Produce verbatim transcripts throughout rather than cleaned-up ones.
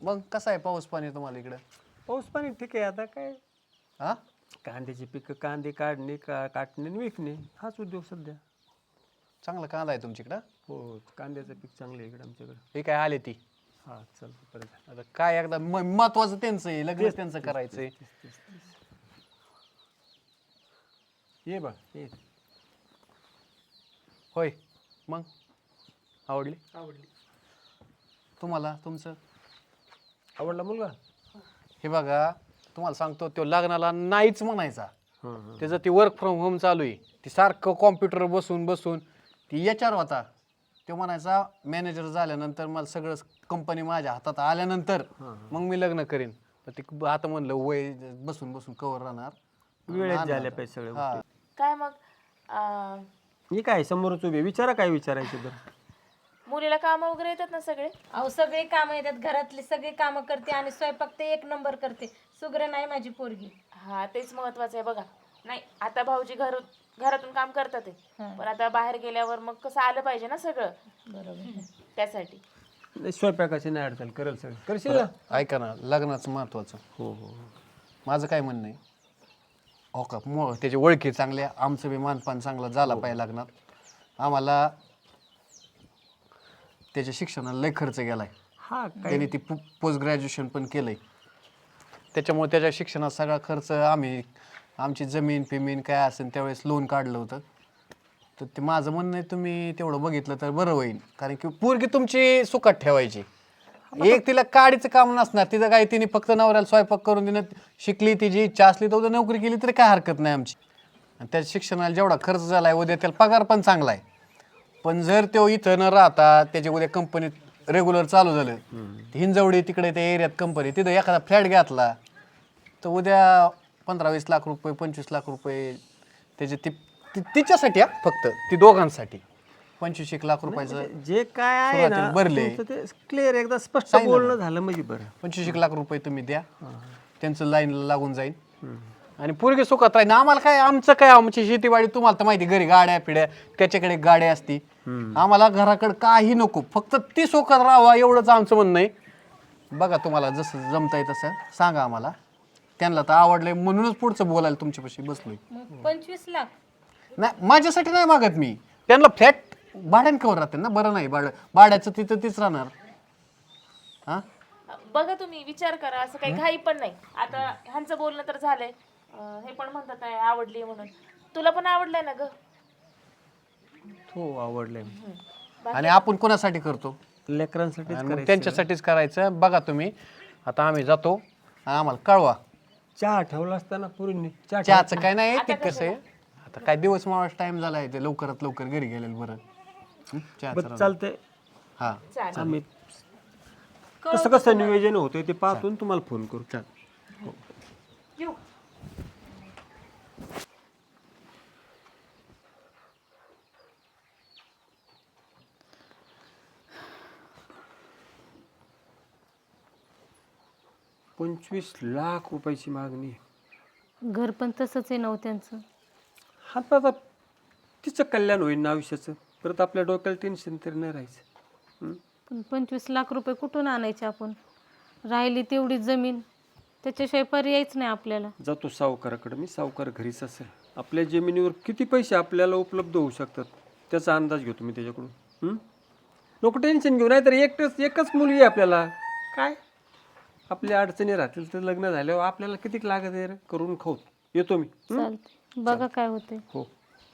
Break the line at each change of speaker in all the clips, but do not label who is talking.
मग कसं आहे पाऊस पाणी तुम्हाला इकडं?
पाऊस पाणी ठीक आहे. आता काय
हा
कांद्याची पिकं, कांदे काढणे का काटणे आणि विकणे हाच उद्योग सध्या.
चांगला कांदा आहे तुमच्याकडं.
हो, कांद्याचं पीक चांगलं आहे इकडे आमच्याकडे.
हे काय आले ती
हा चालतं परत.
आता काय एकदा महत्वाचं त्यांचं आहे, लग्न त्यांचं करायचंय.
ये बा ये.
होय मग आवडली
आवडली.
तुम्हाला तुमचं?
आवडला मुलगा?
हे बघा तुम्हाला सांगतो, तो लग्नाला नाहीच म्हणायचा.
हां हां.
त्याचं ती वर्क फ्रॉम होम चालू आहे. ती सारखं कॉम्प्युटर बसून बसून ती याच्यावर होता. तो म्हणायचा मॅनेजर झाल्यानंतर मला सगळं कंपनी माझ्या हातात आल्यानंतर मग मी लग्न करीन. तर ते आता म्हणलं वय बसून बसून कवर राहणार,
वेळेत झाल्या पाहिजे सगळ्या
हा.
गोष्टी.
काय मग अं,
हे काय समोरच उभे विचारा काय विचारायचं तर.
मुलीला काम वगैरे येतात ना सगळे?
अहो सगळे कामं येतात, घरातली सगळी कामं करते आणि स्वयंपाक ते एक नंबर करते. सुग्र नाही माझी पोरगी.
हा तेच महत्वाचं आहे बघा. नाही आता भाऊजी घर घरातून काम करतात आहे.
हा.
पण आता बाहेर गेल्यावर मग कसं आलं पाहिजे ना सगळं,
बरोबर.
त्यासाठी.
नाही, स्वयंपाकाची नाही अडचण, करेल सगळं. करशील ना?
ऐका ना, लग्नाचं महत्वाचं.
हो हो हो.
माझं काय म्हणणं आहे, हो का मग त्याची ओळखी चांगल्या, आमचं बी मानपान चांगलं झाला पाहिजे लग्नात. आम्हाला त्याच्या शिक्षणाला लय खर्च गेलाय.
हा काय
त्याने ती पोस्ट ग्रॅज्युएशन पण केलंय. त्याच्यामुळे त्याच्या शिक्षणात सगळा खर्च आम्ही, आमची जमीन फिमीन काय असेल त्यावेळेस लोन काढलं होतं. तर ते माझं म्हणणं आहे तुम्ही तेवढं बघितलं तर बरं होईल. कारण की पोरगी तुमची सुखात ठेवायची. एक तिला काडीचं काम नसणार, तिचं काय तिने फक्त नवऱ्याला स्वयंपाक करून देणं, शिकली तिची इच्छा असली तर उद्या नोकरी केली तरी काय हरकत नाही आमची. आणि त्याच्या शिक्षणाला जेवढा खर्च झाला आहे उद्या त्याला पगार पण चांगला आहे. पण जर तो इथं न राहता त्याच्या उद्या कंपनीत रेग्युलर चालू झालं, हिंजवडी तिकडे त्या एरियात कंपनी, तिथं एखादा फ्लॅट घेतला तर उद्या पंधरा वीस लाख रुपये पंचवीस लाख रुपये त्याचे ती ती- तिच्यासाठी हा फक्त ती दोघांसाठी पंचवीस एक लाख रुपयाचं
जे काय आहे ना
सुरुवातीला भरले.
तुमचं ते क्लिअर एकदा स्पष्ट
सांगितलं
बोलणं झालं म्हणजे बरं.
पंचवीस एक लाख रुपये तुम्ही द्या, त्यांचं लाईनला लागून जाईल आणि पोरगी सुखात राहील. आम्हाला काय, आमचं काय, आमची शेतीवाडी तुम्हाला तर माहिती, घरी गाड्या पिढ्या, त्याच्याकडे गाड्या असती. आम्हाला घराकडे काही नको, फक्त ती सुखात राहावा एवढंच आमचं म्हणणं आहे. बघा तुम्हाला जसं जमतंय तसं सांगा आम्हाला. त्यांना तर आवडलंय म्हणूनच पुढचं बोलायला तुमच्यापाशी बसलोय.
मग पंचवीस लाख
नाही माझ्यासाठी नाही मागत मी, त्यांना फ्लॅट भाड्यानं कवर राहते ना. बरं नाही भाडं, भाड्याचं तिथं तीच राहणार. हा
बघा तुम्ही विचार करा, असं काही घाई पण नाही. आता ह्यांचं बोलणं तर झालंय, अं, हे पण म्हणतात आहे आवडली म्हणून. तुला पण आवडलंय ना ग?
हो आवडलंय.
आणि आपण कोणासाठी करतो?
लेकरांसाठी
आणि मग त्यांच्यासाठीच करायचं. बघा तुम्ही, आता आम्ही जातो, आम्हाला कळवा.
चहा ठेवला असताना पुरींनी चहा
चहाचं काय नाही, ते कसं आहे आता काय दिवस मावळाच टाइम झालाय, ते लवकरात लवकर घरी गेलेलं बरं. हं? चहाचं
बरं
राहू.
चालतंय.
हा
चालेल.
आम्ही कसं कसं नियोजन होतंय ते पाहतून तुम्हाला फोन करू. चाल
येऊ.
पंचवीस लाख रुपयाची मागणी.
घर पण तसंच आहे नव त्यांचं.
हा तर आता तिचं कल्याण होईल ना आयुष्याचं. परत आपल्या डोक्याला टेन्शन तरी नाही राहायचं. हं?
पण पंचवीस लाख रुपये कुठून आणायचे आपण? राहिली तेवढी जमीन, त्याच्याशिवाय पर्यायच नाही आपल्याला.
जातो सावकाराकडे मी. सावकार घरीच असेल. आपल्या जमिनीवर किती पैसे आपल्याला उपलब्ध होऊ शकतात त्याचा अंदाज घेतो मी त्याच्याकडून. हं? नको टेन्शन घेऊ. नाही तर एकटंच एकच मुलगी आहे आपल्याला. काय आपल्या अडचणी राहतील तर लग्न झाल्यावर आपल्याला किती लागत आहे रे, करून खाऊ. येतो मी. हं?
चालते, बघा काय होते.
हो.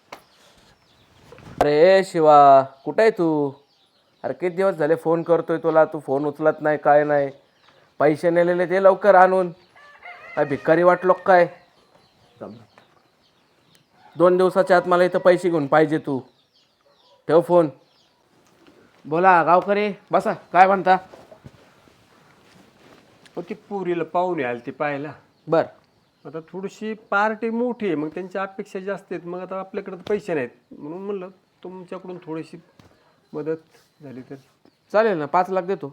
अरे शिवा, कुठं आहे तू? अरे किती दिवस झाले फोन करतोय तुला, तू फोन उचलत नाही, काय नाही. पैसे नेलेले ते लवकर आणून. काय भिकारी वाटलो काय? दोन दिवसाच्या आत मला इथं पैसे घेऊन पाहिजे. तू ठेव फोन. बोला गावकरी, बसा. काय म्हणता?
हो, ती पुरीला पाहुणे आले ते पाहायला.
बर.
आता थोडीशी पार्टी मोठी आहे, मग त्यांच्या अपेक्षा जास्त आहेत. मग आता आपल्याकडे तर पैसे नाहीत, म्हणून म्हणलं तुमच्याकडून थोडीशी मदत झाली तर.
चालेल ना, पाच लाख देतो.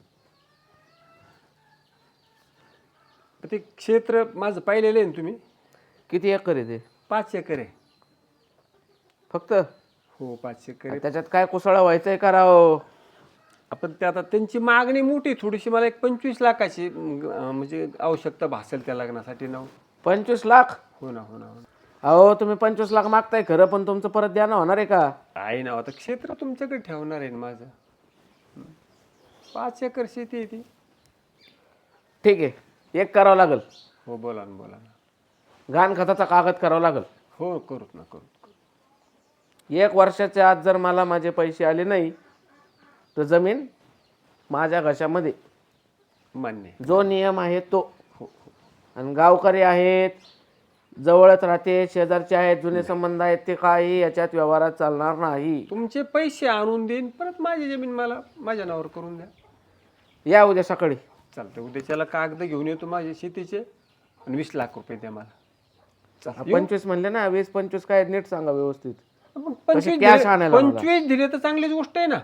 ते क्षेत्र माझं पाहिलेलं आहे ना तुम्ही?
किती एकर आहे ते?
पाच एकर आहे
फक्त?
हो पाच एकर आहे.
त्याच्यात काय कुसळा व्हायचंय का राव?
आपण ते आता त्यांची मागणी मोठी थोडीशी, मला एक पंचवीस लाखाची अं, म्हणजे आवश्यकता भासेल त्या लग्नासाठी ना.
पंचवीस लाख
हो ना हो ना हो ना.
अहो तुम्ही पंचवीस लाख मागताय खरं, पण तुमचं परत द्यानं होणार आहे का?
आहे ना, आता क्षेत्र तुमच्याकडे ठेवणार आहे ना माझं. हं. पाच एकर शेती आहे ती.
ठीक आहे, एक करावं लागेल,
हो बोला ना बोला ना.
गहाणखताचा कागद करावा लागेल.
हो करूत ना करूत.
एक वर्षाच्या आत जर मला माझे पैसे आले नाही तर जमीन माझ्या घशामध्ये,
मान्य आहे.
जो नियम आहे तो. आणि गावकरी आहेत, जवळच राहते, शेजारचे आहेत, जुने संबंध आहेत, ते काही याच्यात व्यवहारात चालणार नाही.
तुमचे पैसे आणून देईन, परत माझी जमीन मला माझ्या नावावर करून द्या.
या उद्या सकाळी.
चालतं, उद्याच्याला कागद घेऊन येतो माझे शेतीचे आणि वीस लाख रुपये द्या मला. चालतं,
पंचवीस म्हणले ना, वीस पंचवीस काय नीट सांगा व्यवस्थित.
मग पंचवीस
cash
दिले-
आणायला मला.
पंचवीस दिले तर चांगलीच गोष्ट आहे ना.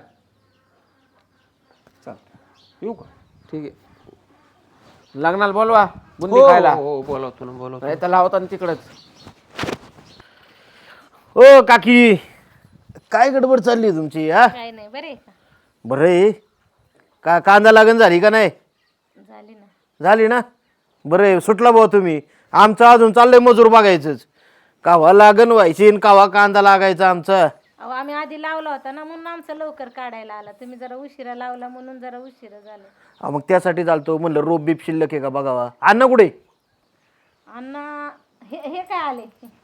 चालतं, येऊ का?
ठीक आहे, लग्नाला बोलवा बुंदी
हो
खायला.
हो बोलावतो ना बोलावतो.
नाही तर लावता ना तिकडच. ओ काकी, काय गडबड चालली तुमची? हा
काय नाही, बरे का?
बरं आहे का? कांदा लागण झाली का नाही?
झाली ना.
झाली ना, बरं आहे, सुटला भाऊ तुम्ही. आमचं अजून चाललंय मजूर बघायचंच, कावा लागण व्हायची आणि कावा कांदा लागायचा आमचा.
अहो आम्ही आधी लावला होता ना, म्हणून आमचं लवकर काढायला आला. तुम्ही जरा उशिरा लावला म्हणून जरा उशिरा झालं.
अहो, मग त्यासाठी चालतो म्हणलं, रोप बीप शिल्लक आहे का बघावा. अण्णा कुठे?
अण्णा हे हे काय आले?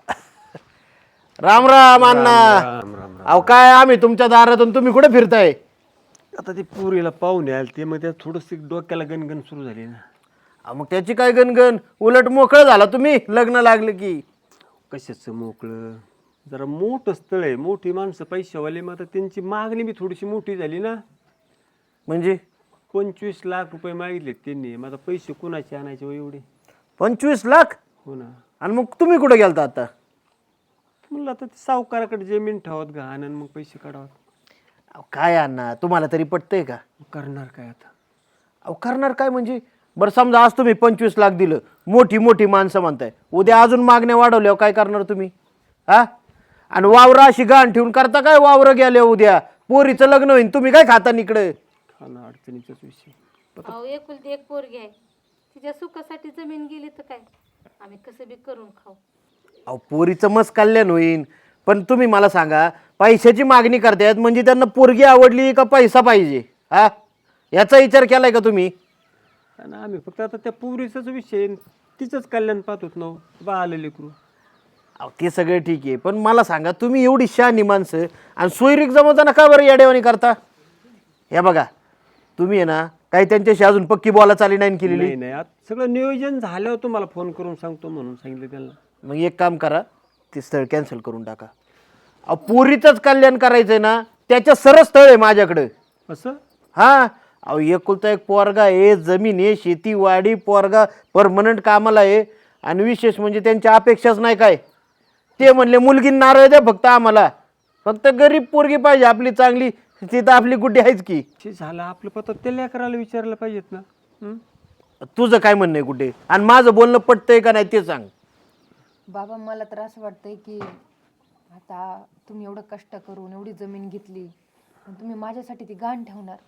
राम राम अण्णा.
राम राम राम.
अहो काय आम्ही तुमच्या दारातून, तुम्ही कुठे फिरताय?
आता ते पुरीला पाहुणे आले ते, मग त्या थोडस डोक्याला गणगण सुरू झाली ना.
अहो, मग त्याची काय गणगण, उलट मोकळं झाला तुम्ही लग्न लागलं की.
कशाचं मोकळं, जरा मोठं स्थळ आहे, मोठी माणसं पैशावाले, मग आता त्यांची मागणी बी थोडीशी मोठी झाली ना.
म्हणजे
पंचवीस लाख रुपये मागितले त्यांनी, मग आता पैसे कोणाचे आणायचे हो एवढे?
पंचवीस लाख?
हो ना.
आणि मग तुम्ही कुठे गेलता आता?
म्हणलं आता ते सावकाराकडे जमीन ठेवत घाण आणि मग पैसे काढावत.
अहो काय अण्णा, तुम्हाला तरी पटतंय का?
करणार काय आता?
अहो करणार काय म्हणजे? बरं समजा आज तुम्ही पंचवीस लाख दिलं, मोठी मोठी माणसं म्हणताय, उद्या अजून मागण्या वाढवल्यावर काय करणार तुम्ही? हा, आणि वावरं अशी गाण ठेवून करता काय? वावरं गेले उद्या पोरीचं लग्न होईल, तुम्ही काय खाता इकडे?
हा ना, अडचणीचाच विषय.
अहो एकुलती एक पोरगी आहे, तिच्या सुखासाठी जमीन गेली तर काय, आम्ही कसं बी करून खाऊ.
अहो पोरीचं मस्त कल्याण होईन, पण तुम्ही मला सांगा, पैशाची मागणी करतायत म्हणजे त्यांना पोरगी आवडली का पैसा पाहिजे? हा, याचा विचार केलाय का तुम्ही?
आणि आम्ही फक्त आता त्या पुरीचाच विषय, तिचंच कल्याण पाहतोत ना, बा आले लेकरू.
अहो ते सगळे ठीक आहे, पण मला सांगा, तुम्ही एवढी शहाणी माणसं आणि सोयरीक जमवताना का बरं येडेवाणी करता? हे बघा, तुम्ही आहे ना, काही त्यांच्याशी अजून पक्की बोला चाली नाही केलेली.
नाही नाही, आता सगळं नियोजन झाल्यावर तुम्हाला फोन करून सांगतो म्हणून सांगितलं त्यांना.
मग एक काम करा, ते स्थळ कॅन्सल करून टाका. अहो पोरीचंच कल्याण करायचंय ना, त्याच्या सरळ स्थळ आहे माझ्याकडं.
असं?
हा, अहो एकुलता एक पोरगा आहे, जमीन आहे, शेती वाडी, पोरगा परमनंट कामाला आहे, आणि विशेष म्हणजे त्यांच्या अपेक्षाच नाही काय. ते म्हणले मुलगी नारळ द्या फक्त आम्हाला, फक्त गरीब पोरगी पाहिजे आपली चांगली, ती तर आपली गुड्डी आहेच की.
ते झालं आपलं पत्र, त्या लेकराला विचारलं पाहिजेत ना. हं?
तुझं काय म्हणणं आहे कुठे, आणि माझं बोलणं पटतंय का नाही ते सांग.
बाबा मला तर असं वाटतंय की आता तुम्ही एवढं कष्ट करून एवढी जमीन घेतली आणि तुम्ही माझ्यासाठी ती गाण ठेवणार,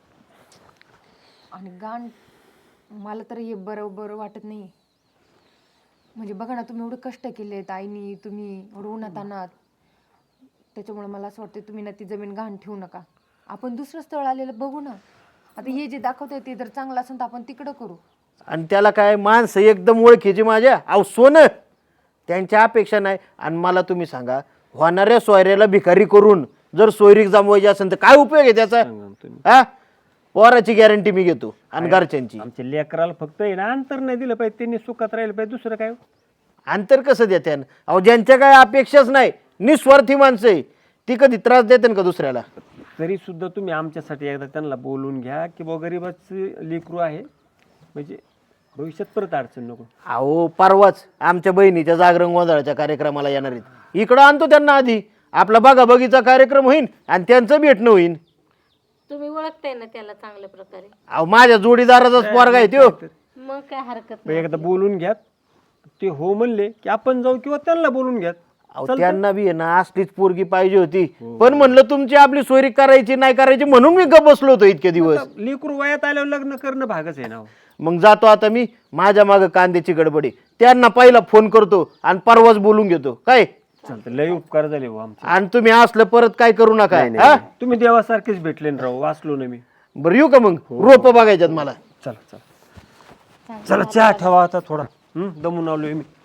आणि गाण मला तर हे बरोबर वाटत नाही. म्हणजे बघा ना, तुम्ही एवढं कष्ट केलेत आईनी, तुम्ही एवढं उन्हात आणत, त्याच्यामुळे मला असं वाटतं तुम्ही ना ती जमीन गाण ठेवू नका. आपण दुसरं स्थळ आलेलं बघू ना. आता हे जे दाखवतंय ते जर चांगलं असेल तर आपण तिकडं करू.
आणि त्याला काय, माणसं एकदम ओळखीची माझ्या, अहो सोनं, त्यांच्या अपेक्षा नाही. आणि मला तुम्ही सांगा, होणाऱ्या सोयऱ्याला भिकारी करून जर सोयरीक जमवायची असेल तर काय उपयोग आहे त्याचा?
सांगा ना तुम्ही.
हा, पोराची गॅरंटी मी घेतो आणि घरच्यांची.
आमच्या लेकराला फक्त आहे ना अंतर नाही दिलं पाहिजे, त्यांनी सुखात राहिलं पाहिजे, दुसरं काय?
अंतर कसं देते? अहो ज्यांच्या काय अपेक्षाच नाही, निस्वार्थी माणसं आहे, ती कधी त्रास देते का दुसऱ्याला?
तरी सुद्धा तुम्ही आमच्यासाठी एकदा त्यांना बोलून घ्या की बा गरीबाचं लेकरू आहे, म्हणजे भविष्यात परत अडचण नको.
अहो परवाच आमच्या बहिणीच्या जागरण गोंधळाच्या कार्यक्रमाला येणार आहेत, इकडं आणतो त्यांना आधी, आपला बघा बगीचा कार्यक्रम होईल आणि त्यांचं भेटणं होईल.
तुम्ही ओळखताय ना त्याला चांगल्या प्रकारे,
अहो माझ्या जोडीदाराचाच पोरगा आहे त्यो.
मग काय हरकत
मग एकदा बोलून घ्या, ते हो म्हणले की आपण जाऊ किंवा त्यांना बोलून घ्या.
अहो त्यांना बी आहे ना असलीच पोरगी पाहिजे होती, पण म्हणलं तुमची आपली सोयरी करायची नाही करायची म्हणून मी गप बसलो होतो इतके दिवस.
लेकरू वयात आल्यावर लग्न करणं भागच आहे ना हो.
मग जातो आता मी, माझ्या मागं कांद्याची गडबडी, त्यांना पहिला फोन करतो आणि परवाच बोलून घेतो काय.
चालतं, लय उपकार झाले हो आमचे.
आणि तुम्ही असलं परत काय करू नका हा.
तुम्ही देवासारखेच भेटले ना राव, वाचलो ना मी.
बरं येऊ का मग, रोप बघायच्यात मला.
चला चला चला, चहा ठेवा आता थोडा. हम्म, दमून आलोय मी.